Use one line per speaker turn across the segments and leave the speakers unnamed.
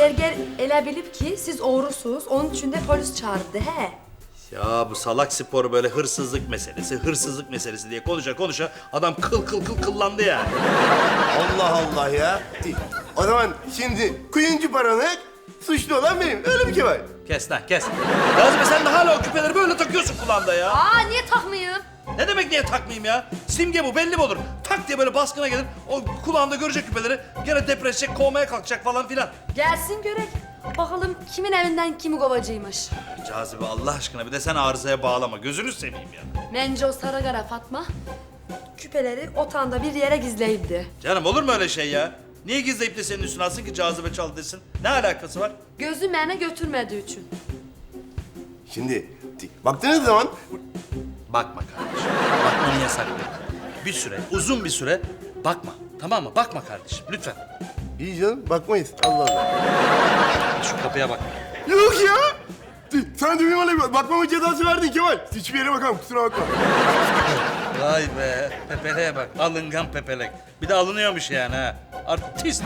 Gerger ele bilip ki siz uğursunuz, onun için de polis çağırdı he.
Ya bu salak sporu böyle hırsızlık meselesi diye konuşa adam kıllandı yani.
Allah Allah ya. O zaman şimdi kuyumcu paranık, suçlu olan benim. Öyle mi Kemal?
Kes lan kes. Cazibe sen de hala o küpeleri böyle takıyorsun kulağında ya.
Aa niye takmayayım?
Ne demek niye takmayayım ya? Simge bu belli mi olur? Tak diye böyle baskına gelir. O kulağında görecek küpeleri. Gene depreşecek, kovmaya kalkacak falan filan.
Gelsin görek. Bakalım kimin evinden kimi kovacıymış.
Cazibe Allah aşkına bir de sen arızaya bağlama. Gözünü seveyim ya.
Bence o Sarıgara Fatma küpeleri otağında bir yere gizleyipti.
Canım olur mu öyle şey ya? Niye gizleyip de senin üstüne alsın ki cazibe çal desin? Ne alakası var?
Gözü mene götürmediği için.
Şimdi baktığınız zaman
Bakma kardeşim. Bakmanı yasaklıyorum. Bir süre, uzun bir süre bakma. Tamam mı? Bakma kardeşim lütfen.
iyi canım bakmayız. Allah Allah.
Şu kapıya bak.
Yok ya. Sen de benim öyle bakmama cezası verdin Kemal. Hiçbir yere bakamam kusura bakma.
Vay be. Pepeleğe bak. Alıngan pepelek. Bir de alınıyormuş yani ha. Artist.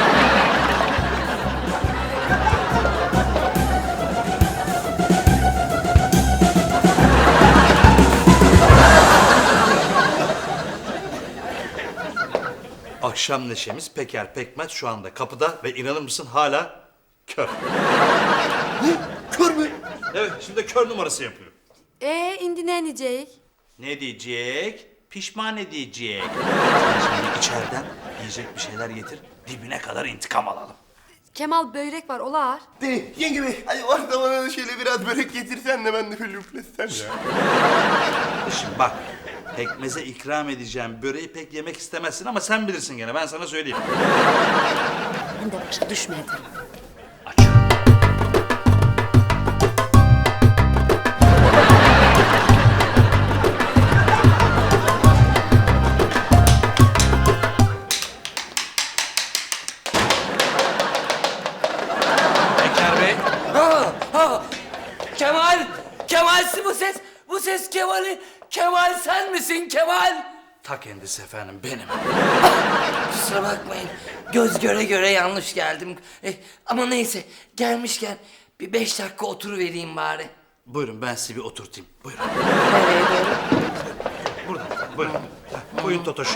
Akşam neşemiz Peker Pekmez şu anda kapıda ve inanır mısın hala kör.
Ne? Kör mü?
Evet şimdi kör numarası yapıyor.
Indi ne diyecek?
Ne diyecek? Pişman edecek. Sen şimdi içeriden yiyecek bir şeyler getir, dibine kadar intikam alalım.
Kemal börek var olar.
Yenge bey hadi varsa bana da şöyle biraz börek getirsen de ben de böyle üflesem ya.
Şimdi bak, pekmeze ikram edeceğim böreği pek yemek istemezsin ama sen bilirsin gene, ben sana söyleyeyim.
Ben de başa düşmedim.
Açıyorum. Peker Bey.
Ha, Kemal, Kemal'si bu ses. Bu ses Kemal'i. Kemal sen misin Kemal?
Ta kendisi efendim, benim.
Kusura bakmayın. Göz göre göre yanlış geldim. Ama neyse gelmişken bir 5 dakika oturuvereyim bari.
Buyurun ben sizi bir oturtayım. Buyurun.
Nereye doğru?
Buradan. Buyurun. Buyurun Totoş.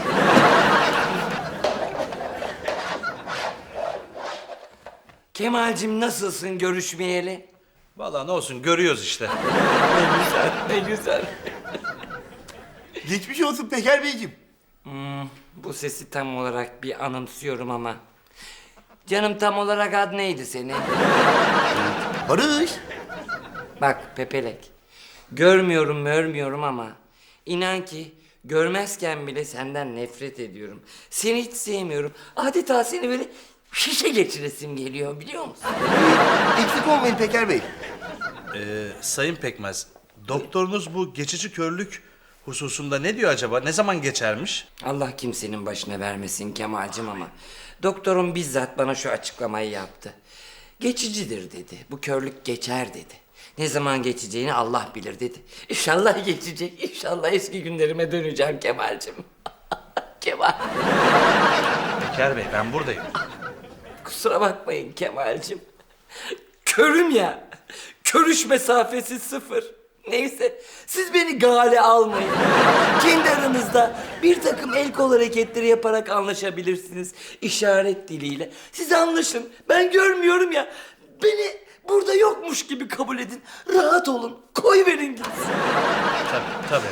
Kemal'cim nasılsın görüşmeyeli?
Vallahi ne olsun görüyoruz işte.
Ne güzel, ne güzel.
Geçmiş olsun Peker Beyciğim.
Bu sesi tam olarak bir anımsıyorum ama. Canım tam olarak ad neydi senin?
Barış.
Bak Pepelek, görmüyorum ama inan ki görmezken bile senden nefret ediyorum. Seni hiç sevmiyorum. Adeta seni böyle şişe geçiresim geliyor biliyor musun?
Eksik olmayın Peker Bey.
Sayın Pekmez, doktorunuz bu geçici körlük hususunda ne diyor acaba? Ne zaman geçermiş?
Allah kimsenin başına vermesin Kemal'cim ama doktorum bizzat bana şu açıklamayı yaptı. Geçicidir dedi. Bu körlük geçer dedi. Ne zaman geçeceğini Allah bilir dedi. İnşallah geçecek. İnşallah eski günlerime döneceğim Kemal'cim. Kemal.
Peker Bey ben buradayım.
Kusura bakmayın Kemal'cim. Körüm ya. Körüş mesafesi 0. Neyse siz beni gale almayın. Kendi aranızda bir takım el kol hareketleri yaparak anlaşabilirsiniz. İşaret diliyle. Siz anlaşın. Ben görmüyorum ya. Beni burada yokmuş gibi kabul edin. Rahat olun. Koy verin gitsin.
Tabii.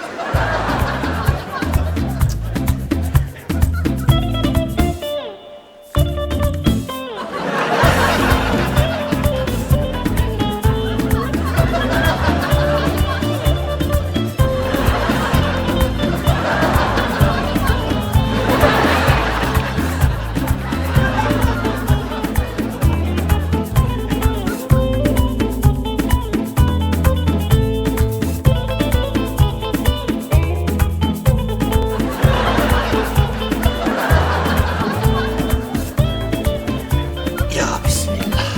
Ya bismillah.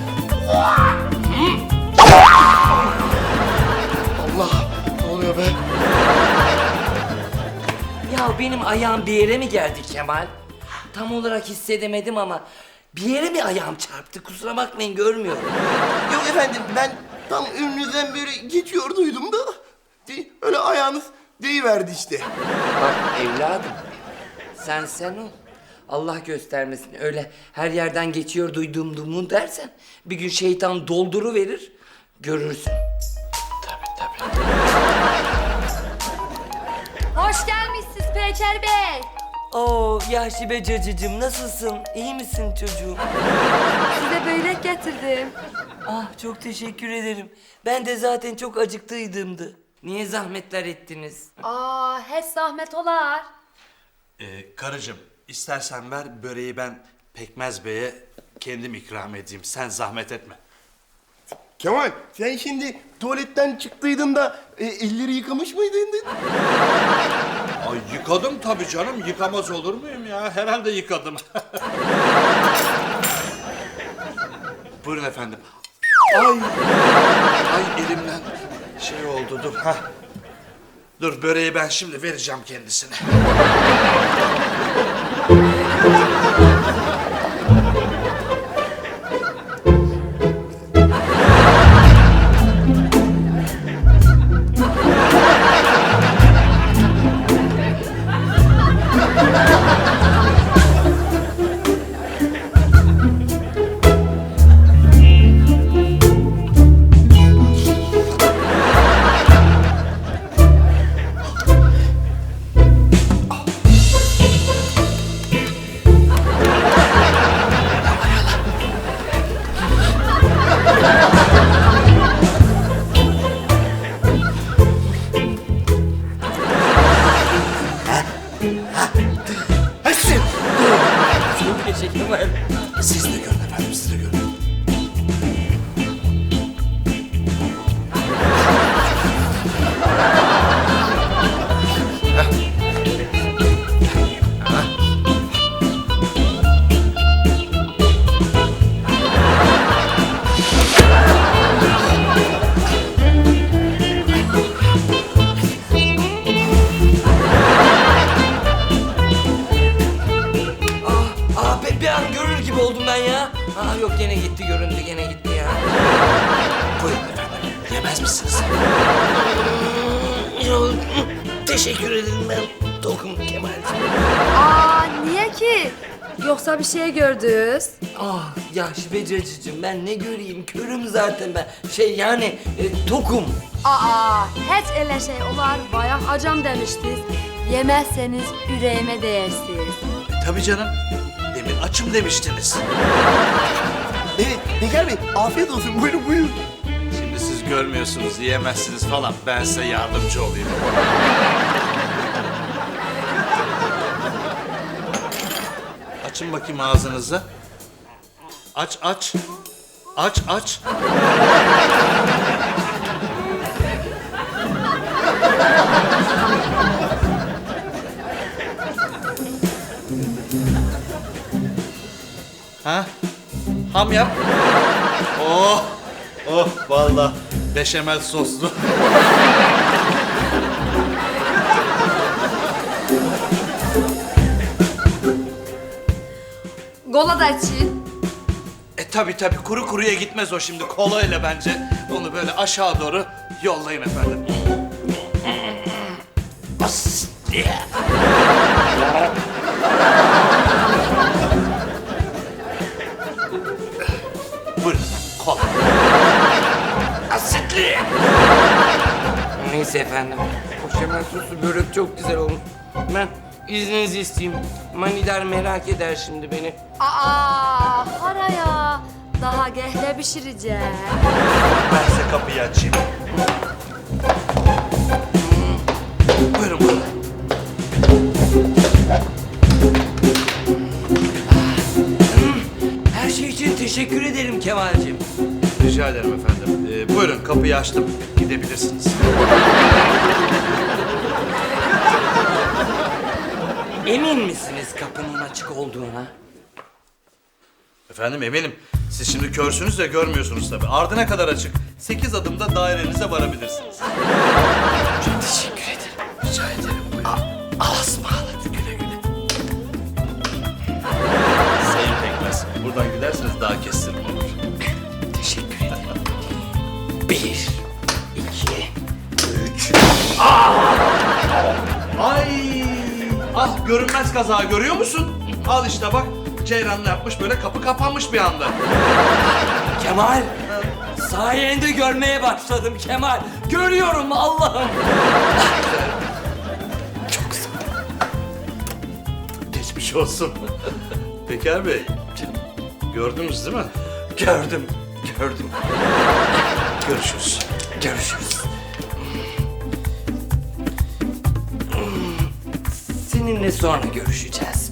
Allah ne oluyor be?
Ya benim ayağım bir yere mi geldi Kemal? Tam olarak hissedemedim ama Bir yere mi ayağım çarptı? Kusura bakmayın, görmüyorum.
Yok efendim, ben tam önünüzden beri geçiyorduydum da... Öyle ayağınız deyiverdi işte.
Bak evladım, sen ol. Allah göstermesin, öyle her yerden geçiyor duyduğumu dersen... ...bir gün şeytan dolduru verir, görürsün. Tabii.
Hoş gelmişsiniz Peker Bey.
Oo Yaşibe cacıcığım, nasılsın? İyi misin çocuğum?
Size börek getirdim.
Ah çok teşekkür ederim. Ben de zaten çok acıktıydımdı. Niye zahmetler ettiniz?
Aa, hiç zahmet olar.
Karıcığım, istersen ver böreği, ben Pekmez Bey'e kendim ikram edeyim. Sen zahmet etme.
Kemal, sen şimdi tuvaletten çıktıydın da elleri yıkamış mıydın?
Ay yıkadım tabii canım. Yıkamaz olur muyum ya? Herhalde yıkadım. Buyurun efendim. Ay elimden şey oldu, dur. Hah. Dur, böreği ben şimdi vereceğim kendisine.
Çok teşekkür ederim.
Siz de görün efendim, siz de görün.
Bir an görür gibi oldum ben ya. Yok gene gitti, göründü gene gitti ya.
Buyurun efendim. Yemez misiniz?
Yok, teşekkür ederim, ben tokum Kemal'ciğim.
Aa, niye ki? Yoksa bir şey gördünüz?
Yaşibe cacıcığım, ben ne göreyim, körüm zaten ben. Tokum.
Aa, hiç öyle şey olar. Bayağı acam demiştiniz. Yemezseniz yüreğime değersiniz.
Tabii canım. Demin açım demiştiniz.
Evet, Peker Bey, afiyet olsun. Buyurun, buyurun.
Şimdi siz görmüyorsunuz, yiyemezsiniz falan. Ben size yardımcı olayım. Açın bakayım ağzınızı. Aç. Aç. Ha? Ham yap. Oh vallahi beşamel soslu.
Kola da için.
Tabii kuru kuruya gitmez o şimdi, kolayla bence. Onu böyle aşağı doğru yollayın efendim. Buyurun, kola.
Asitli. Neyse efendim. Koşamel soslu börek çok güzel olmuş. Ben izninizi isteyeyim. Manidar merak eder şimdi beni.
Aa, haraya. Daha gehle pişireceğim.
Ben size kapıyı açayım. Buyurun.
Her şey için teşekkür ederim Kemal'cim.
Rica ederim efendim. Buyurun, kapıyı açtım. Gidebilirsiniz.
Emin misiniz kapının açık olduğuna?
Efendim eminim. Siz şimdi körsünüz de görmüyorsunuz tabii. Ardına kadar açık. 8 adımda dairenize varabilirsiniz.
Çok teşekkür ederim.
Rica ederim.
Ağzıma ağladı, güle güle.
Sayın Pekmez, buradan daha kestirme olur.
Teşekkür ederim. 1, 2, 3.
Ay! Ah görünmez kaza görüyor musun? Al işte bak. Ceyran ne yapmış böyle kapı kapanmış bir anda.
Kemal, sayende görmeye başladım Kemal. Görüyorum Allah'ım. Çok sağ ol.
Geçmiş olsun. Peker Bey, gördünüz değil mi?
Gördüm.
Görüşürüz.
Görüşürüz. Seninle sonra görüşeceğiz.